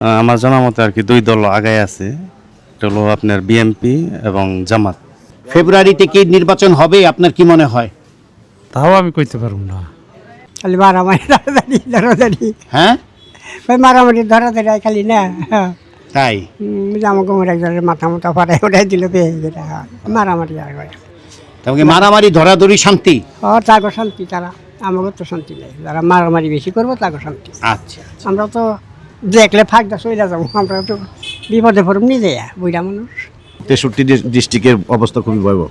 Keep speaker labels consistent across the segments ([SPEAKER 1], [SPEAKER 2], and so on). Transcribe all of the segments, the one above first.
[SPEAKER 1] আমার জানা মতে আর কি দুই দল আগায় আছে, এটা হলো আপনার বিএনপি এবং জামাত।
[SPEAKER 2] ফেব্রুয়ারিতে কি নির্বাচন হবে আপনার কি মনে হয়?
[SPEAKER 3] তাও আমি কইতে পারবো না।
[SPEAKER 4] খালি মারামারি ধরাধরি
[SPEAKER 2] হ্যাঁ,
[SPEAKER 4] ওই মারামারি ধরাধরি খালি না
[SPEAKER 2] তাই
[SPEAKER 4] জামা কোমর একজনের মাথা মোটা ফাটাই ওটাই দিল পেয়ে যেটা মারামারি আর
[SPEAKER 2] তোমাকে মারামারি ধরাধরি শান্তি।
[SPEAKER 4] তাগো শান্তি, তারা আমাকে তো শান্তি নেই, যারা মারামারি বেশি করবো তাগো শান্তি।
[SPEAKER 2] আচ্ছা,
[SPEAKER 4] আমরা তো দেখলে ফাঁকটা চলে যাবো, আমরা তো বিপদে পড়ব নিজে বুড়া মানুষ।
[SPEAKER 5] 63 ডিস্ট্রিক্টের অবস্থা খুবই ভয়াবহ।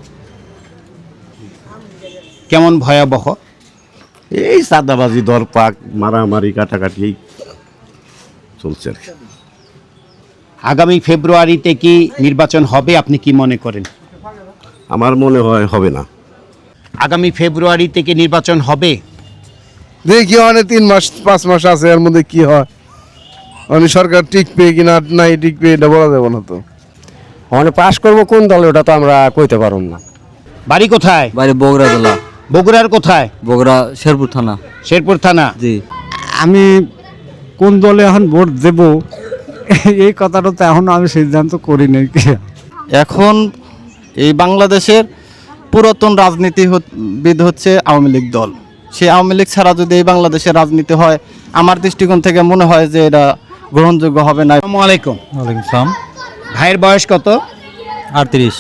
[SPEAKER 2] কেমন ভয়াবহ?
[SPEAKER 5] এই সাদাবাজি, দরপাক, মারামারি, কাটাকাটি চলছে আর কি।
[SPEAKER 2] আগামী ফেব্রুয়ারিতে কি নির্বাচন হবে আপনি কি মনে করেন?
[SPEAKER 5] আমার মনে হয় হবে না।
[SPEAKER 2] আগামী ফেব্রুয়ারিতে কি নির্বাচন হবে?
[SPEAKER 6] দেখি অনেক 3-5 মাস আছে, এর মধ্যে কি হয় আমি সরকার টিকবে কিনা নাই টিকবে এটা বলা যাবে না। তো
[SPEAKER 7] মানে পাস করবো কোন দল ওটা তো আমরা কইতে পারব না।
[SPEAKER 2] বাড়ি কোথায়?
[SPEAKER 7] বাইরে বগুড়া জেলা,
[SPEAKER 2] বগুড়ার কোথায়?
[SPEAKER 7] বগুড়া শেরপুর থানা।
[SPEAKER 2] শেরপুর থানা।
[SPEAKER 7] জি।
[SPEAKER 3] আমি কোন দলে এখন ভোট দেব এই কথাটা তো এখনো আমি সিদ্ধান্ত করি নাই।
[SPEAKER 8] এখন এই বাংলাদেশের পুরাতন রাজনীতিবিদ হচ্ছে আওয়ামী লীগ দল। সেই আওয়ামী লীগ ছাড়া যদি এই বাংলাদেশের রাজনীতি হয়, আমার দৃষ্টিকোণ থেকে মনে হয় যে এটা গ্রহণযোগ্য হবে না।
[SPEAKER 2] আসসালামু আলাইকুম।
[SPEAKER 3] ওয়ালাইকুম সালাম।
[SPEAKER 2] ভাইয়ের বয়স কত?
[SPEAKER 3] 38।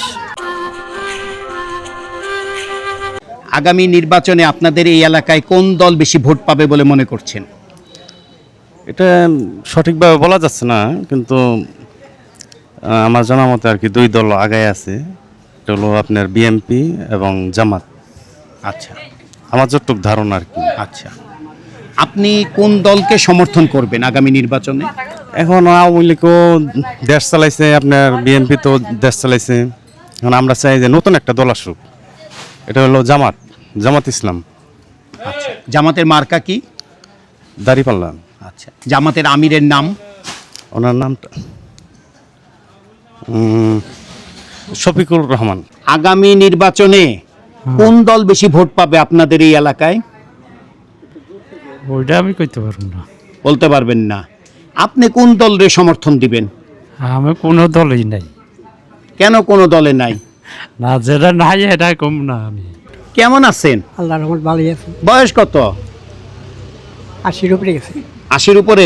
[SPEAKER 2] আগামী নির্বাচনে আপনাদের এই এলাকায় কোন দল বেশি ভোট পাবে বলে মনে করছেন?
[SPEAKER 1] এটা সঠিকভাবে বলা যাচ্ছে না, কিন্তু আমার জানা মতে আর কি দুই দল আগায় আছে, এটা হলো আপনার বিএনপি এবং জামাত।
[SPEAKER 2] আচ্ছা
[SPEAKER 1] আমার যতটুক ধারণা আর কি।
[SPEAKER 2] আচ্ছা, আপনি কোন দলকে সমর্থন করবেন আগামী নির্বাচনে?
[SPEAKER 1] এখন আওয়ামী লীগও দেশ চালাইছে, আপনার বিএনপি তো দেশ চালাইছে। এখন আমরা চাই যে নতুন একটা দল আসুক, এটা হলো জামাত ইসলাম।
[SPEAKER 2] আচ্ছা, জামাতের মার্কা কি?
[SPEAKER 1] দাঁড়িপাল্লা।
[SPEAKER 2] আচ্ছা, জামাতের আমিরের নাম?
[SPEAKER 1] ওনার নামটা শফিকুর রহমান।
[SPEAKER 2] আগামী নির্বাচনে কোন দল বেশি ভোট পাবে আপনাদের এই এলাকায়?
[SPEAKER 3] ওইটা আমি কইতে পারবো না।
[SPEAKER 2] বলতে পারবেন না। আপনি কোন দলের সমর্থন দিবেন?
[SPEAKER 3] আমি কোনো দলই নাই।
[SPEAKER 2] কেন কোনো দলে নাই?
[SPEAKER 3] না, যেটা নাই এটা কম না। আমি
[SPEAKER 2] কেমন আছেন?
[SPEAKER 4] আল্লাহ রহমত ভালোই আছে।
[SPEAKER 2] বয়স কত?
[SPEAKER 4] 80-র উপরে গেছে।
[SPEAKER 2] 80-র উপরে।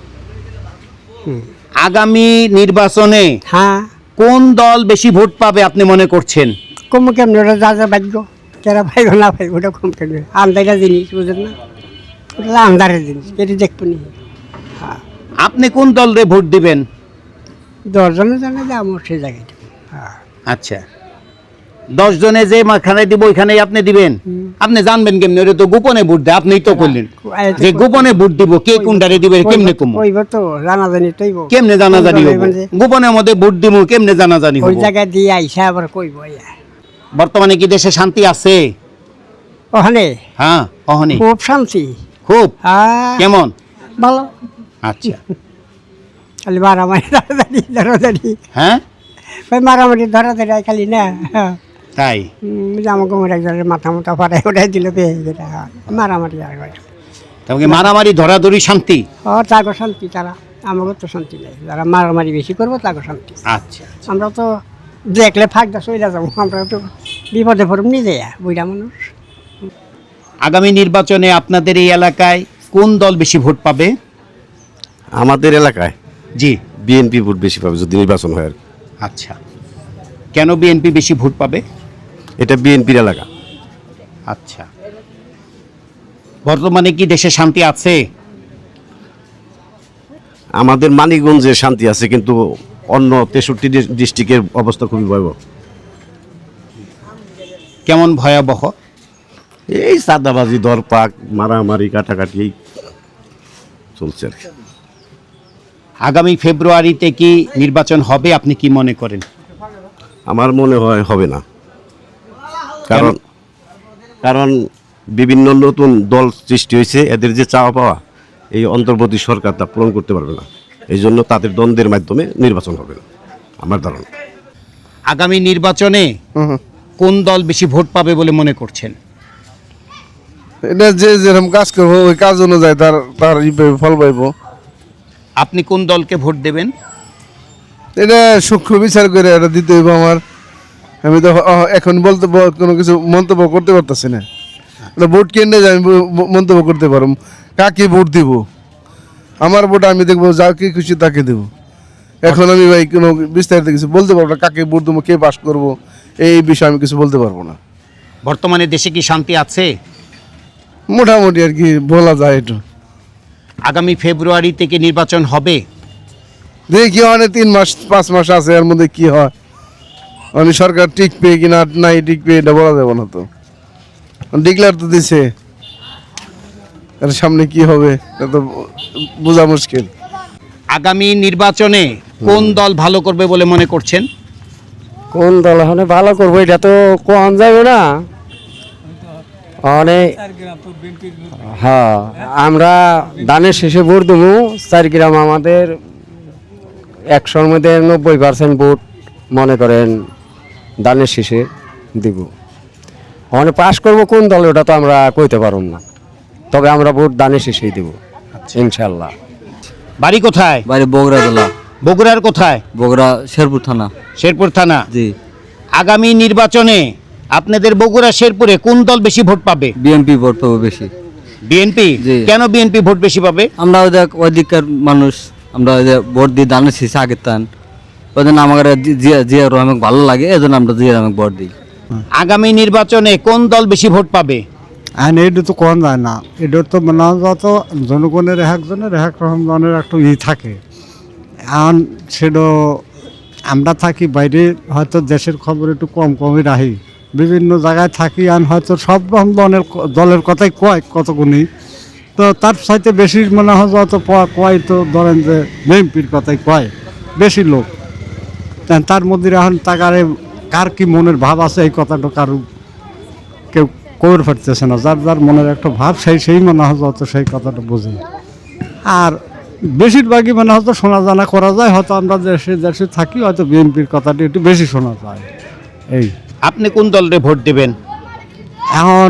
[SPEAKER 2] আগামী নির্বাচনে
[SPEAKER 4] হ্যাঁ,
[SPEAKER 2] কোন দল বেশি ভোট পাবে আপনি মনে করছেন?
[SPEAKER 4] কম কেমন ওটা যা যা ভাগ্য, কেরা পাইব না পাইব ওটা কম কেমন আন্দাজের জিনিস, বুঝেন না? ওটা আন্দারের জিনিস, কেটে দেখবো নি।
[SPEAKER 2] আপনি কোন দলরে ভোট দিবেন?
[SPEAKER 4] 10 জনে জানে যে আমার সেই জায়গায় দেবো। হ্যাঁ,
[SPEAKER 2] আচ্ছা, 10 জনে যে মাখানে দিব ওইখানেই আপনি দিবেন? আপনি জানবেন কেমনে? ওটা তো গোপনে ভোট দেয়, আপনিই তো করলেন যে গোপনে ভোট দিব। কে কোনটারে দিবে কেমনে কম?
[SPEAKER 4] কইব তো জানা জানি তৈব,
[SPEAKER 2] কেমনে জানাজানি হবে? গোপনের মধ্যে ভোট দিব, কেমনে জানাজানি
[SPEAKER 4] ওই
[SPEAKER 2] হবে?
[SPEAKER 4] জায়গায় দিয়ে আইসা আবার কইব।
[SPEAKER 2] বর্তমানে কি দেশে শান্তি আছে?
[SPEAKER 4] ওখানে
[SPEAKER 2] হ্যাঁ, অহনি
[SPEAKER 4] খুব শান্তি।
[SPEAKER 2] খুব।
[SPEAKER 4] হ্যাঁ,
[SPEAKER 2] কেমন?
[SPEAKER 4] ভালো।
[SPEAKER 2] আচ্ছা,
[SPEAKER 4] খালি মারামারি ধরাধরি
[SPEAKER 2] হ্যাঁ,
[SPEAKER 4] ওই মারামারি ধরাধরি খালি না
[SPEAKER 2] তাই
[SPEAKER 4] জামা কোমর একজনের মাথা মোটা ফাটাই ওটাই দিল পেয়ে যেটা মারামারি আর
[SPEAKER 2] তোমাকে মারামারি ধরাধরি শান্তি।
[SPEAKER 4] তাগো শান্তি, তারা আমাকে তো শান্তি নেই, যারা মারামারি বেশি করবো তাগো শান্তি।
[SPEAKER 2] আচ্ছা,
[SPEAKER 4] আমরা তো দেখলে ফাঁকটা চলে যাবো, আমরা তো বিপদে পড়ব নিজে বুড়া মানুষ।
[SPEAKER 2] আগামী নির্বাচনে আপনাদের এই এলাকায় কোন দল বেশি ভোট পাবে?
[SPEAKER 5] আমাদের এলাকায়
[SPEAKER 2] জি।
[SPEAKER 5] বিএনপি ভোট বেশি পাবে যদি নির্বাচন হয় আর কি।
[SPEAKER 2] আচ্ছা, কেন বিএনপি বেশি ভোট পাবে?
[SPEAKER 5] এটা বিএনপির এলাকা।
[SPEAKER 2] আচ্ছা, বর্তমানে কি দেশে শান্তি আছে?
[SPEAKER 5] আমাদের মানিকগঞ্জে শান্তি আছে, কিন্তু অন্য 63 ডিস্ট্রিক্টের অবস্থা খুবই ভয়াবহ।
[SPEAKER 2] কেমন ভয়াবহ?
[SPEAKER 5] এই সাদাবাজি, দরপাক, মারামারি, কাটাকাটি চলছে আর কি।
[SPEAKER 2] আগামী ফেব্রুয়ারিতে কি নির্বাচন হবে আপনি কি মনে করেন?
[SPEAKER 5] আমার মনে হয় হবে না। কারণ বিভিন্ন নতুন দল সৃষ্টি হয়েছে, এদের যে চাওয়া পাওয়া এই অন্তর্বর্তী সরকার তা পূরণ করতে পারবে না। এই জন্য তাদের দ্বন্দ্বের মাধ্যমে নির্বাচন হবে না আমার ধারণা।
[SPEAKER 2] আগামী নির্বাচনে কোন দল বেশি ভোট পাবে বলে মনে করছেন?
[SPEAKER 6] এটা যে যেরকম কাজ করবো ওই কাজ অনুযায়ী তার ফল পাইব।
[SPEAKER 2] আপনি কোন দলকে ভোট দেবেন?
[SPEAKER 6] এটা সূক্ষ্ম বিচার করে এটা দিতে হইব আমার। আমি তো এখন বলতে কোনো কিছু মন্তব্য করতে পারতেছি না। এটা ভোট কেন্দ্রে যাই আমি মন্তব্য করতে পারব, কাকে ভোট দিব। আমার ভোট আমি দেখবো, যাকে খুশি তাকে দেব। এখন আমি ভাই কোনো বিস্তারিত কিছু বলতে পারবো না, কাকে ভোট দেবো, কে পাস করবো, এই বিষয়ে আমি কিছু বলতে পারবো না।
[SPEAKER 2] বর্তমানে দেশে কি শান্তি আছে?
[SPEAKER 6] মোটামুটি আর কি বলা যায় একটু।
[SPEAKER 2] আগামী ফেব্রুয়ারি থেকে নির্বাচন হবে।
[SPEAKER 6] দেখি অনেক 3 মাস 5 মাস আছে, এর মধ্যে কি হয়। অনেক সরকার টিকবে কিনা নাই টিকবে এটা বলা যাবে না। তো ডিক্লেয়ার তো দিছে, এর সামনে কি হবে এটা তো বোঝা মুশকিল।
[SPEAKER 2] আগামী নির্বাচনে কোন দল ভালো করবে বলে মনে করছেন?
[SPEAKER 7] কোন দল হলে ভালো করবো এটা তো কোন যাবে না। অনেক হ্যাঁ, আমরা দানের শেষে ভোট দেবো। 4 গ্রাম আমাদের 100-র মধ্যে 90% ভোট মনে করেন দানের শেষে দিব। অনেক পাশ করবো কোন দল ওটা তো আমরা কইতে পারব না, তবে আমরা ভোট দানের শেষেই দেব ইনশাল্লাহ।
[SPEAKER 2] বাড়ি কোথায়?
[SPEAKER 9] বাইরে বগুড়া জেলা।
[SPEAKER 2] বগুড়ার কোথায়?
[SPEAKER 9] বগুড়া শেরপুর থানা।
[SPEAKER 2] শেরপুর থানা।
[SPEAKER 9] জি।
[SPEAKER 2] আগামী নির্বাচনে আপনাদের বগুড়া শেরপুরে কোন দল বেশি ভোট পাবে?
[SPEAKER 9] বিএনপি ভোট পাবো বেশি।
[SPEAKER 2] বিএনপি?
[SPEAKER 9] জি।
[SPEAKER 2] কেন বিএনপি ভোট বেশি পাবে?
[SPEAKER 9] আমরা ওইদিককার মানুষ, আমরা ওই যে ভোট দিই দানের শেষে আগের তান, ওই জন্য আমাকে জিয়া রহমান ভালো লাগে, এই জন্য আমরা জিয়া রহমান ভোট দিই।
[SPEAKER 2] আগামী নির্বাচনে কোন দল বেশি ভোট পাবে?
[SPEAKER 3] আর এটা তো কোন যায় না, এটা তো মনে হয় যত জনগণের একজনের এক রকমের একটা থাকে। এখন সেটা আমরা থাকি বাইরে, হয়তো দেশের খবর একটু কমই রাখি, বিভিন্ন জায়গায় থাকি। আর হয়তো সব রকম দলের কথাই কয় কতগুনি, তো তার সাথে বেশি মনে হয় যত কয় তো ধরেন যে বিএনপির কথাই কয় বেশি লোক। তার মধ্যে এখন তাকারে কার কি মনের ভাব আছে এই কথাটা কারো কেউ কবর ফাটতেছে না। যার যার মনের একটা ভাব সেই মনে হয় যত সেই কথাটা বুঝি। আর বেশিরভাগই মনে হয়তো শোনা জানা করা যায়, হয়তো আমরা দেশে থাকি, হয়তো বিএনপির কথাটি একটু বেশি শোনা যায়। এই
[SPEAKER 2] আপনি কোন দলরে ভোট দেবেন?
[SPEAKER 3] এখন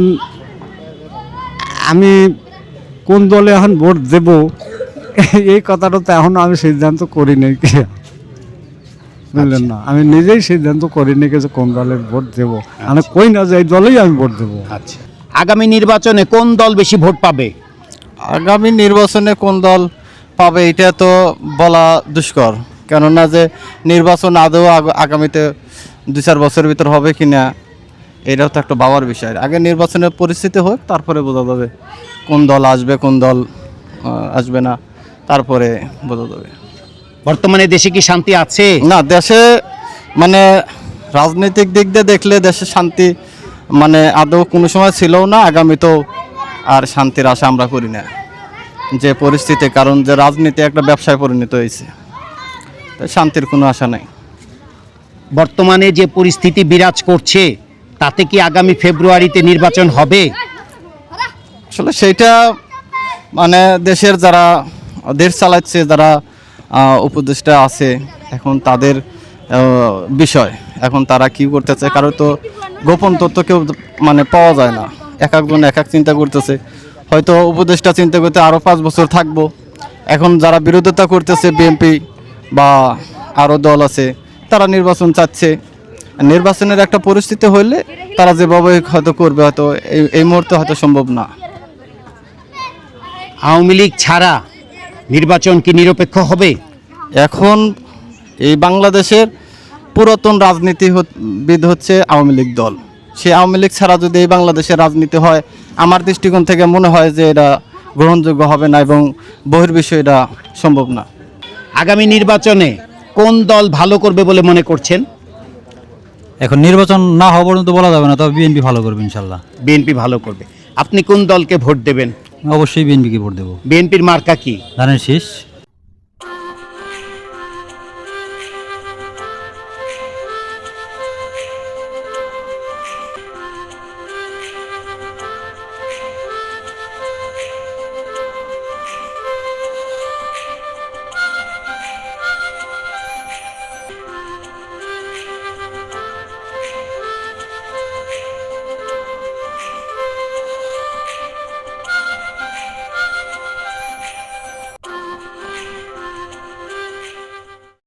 [SPEAKER 3] আমি কোন দলে এখন ভোট দেব এই কথাটা তো এখন আমি সিদ্ধান্ত করিনি, বুঝলেন না। আমি নিজেই সিদ্ধান্ত করিনি যে কোন দলের ভোট দেবো। আমি কই না যে এই দলেই আমি ভোট দেবো।
[SPEAKER 2] আচ্ছা, আগামী নির্বাচনে কোন দল বেশি ভোট পাবে?
[SPEAKER 8] আগামী নির্বাচনে কোন দল পাবে এটা তো বলা দুষ্কর, কেননা যে নির্বাচন আদৌ আগামীতে 2-4 বছরের ভিতর হবে কিনা এটাও তো একটা ভাবার বিষয়। আগে নির্বাচনের পরিস্থিতি হোক, তারপরে বোঝা যাবে কোন দল আসবে কোন দল আসবে না, তারপরে বোঝা যাবে।
[SPEAKER 2] বর্তমানে দেশে কি শান্তি আছে?
[SPEAKER 8] না, দেশে মানে রাজনৈতিক দিক দিয়ে দেখলে দেশে শান্তি মানে আদৌ কোনো সময় ছিলও না, আগামীতেও আর শান্তির আশা আমরা করি না যে পরিস্থিতি, কারণ যে রাজনীতি একটা ব্যবসায় পরিণত হয়েছে, তাই শান্তির কোনো আশা নাই।
[SPEAKER 2] বর্তমানে যে পরিস্থিতি বিরাজ করছে তাতে কি আগামী ফেব্রুয়ারিতে নির্বাচন হবে?
[SPEAKER 8] আসলে সেইটা মানে দেশের যারা দেশ চালাচ্ছে, যারা উপদেষ্টা আছে, এখন তাদের বিষয়, এখন তারা কি করতেছে, কারো তো গোপন তথ্য কেউ মানে পাওয়া যায় না। এক একজন এক এক চিন্তা করতেছে, হয়তো উপদেষ্টা চিন্তা করতে আরও 5 বছর থাকবো। এখন যারা বিরোধিতা করতেছে বিএনপি বা আরও দল আছে, তারা নির্বাচন চাচ্ছে। নির্বাচনের একটা পরিস্থিতি হইলে তারা যেভাবে হয়তো করবে, হয়তো এই মুহূর্তে হয়তো সম্ভব না।
[SPEAKER 2] আওয়ামী লীগ ছাড়া নির্বাচন কি নিরপেক্ষ হবে?
[SPEAKER 8] এখন এই বাংলাদেশের পুরাতন রাজনীতিবিদ হচ্ছে আওয়ামী লীগ দল। সেই আওয়ামী লীগ ছাড়া যদি এই বাংলাদেশের রাজনীতি হয়, আমার দৃষ্টিকোণ থেকে মনে হয় যে এটা গ্রহণযোগ্য হবে না এবং বহির্বিশ্বে এটা সম্ভব না।
[SPEAKER 2] আগামী নির্বাচনে কোন দল ভালো করবে বলে মনে করছেন?
[SPEAKER 9] এখন নির্বাচন না হওয়া পর্যন্ত বলা যাবে না, তবে বিএনপি ভালো করবে ইনশাল্লাহ।
[SPEAKER 2] বিএনপি ভালো করবে। আপনি কোন দলকে ভোট দেবেন?
[SPEAKER 9] অবশ্যই বিএনপিকে ভোট দেবো।
[SPEAKER 2] বিএনপির মার্কা কি?
[SPEAKER 9] ধানের শীষ।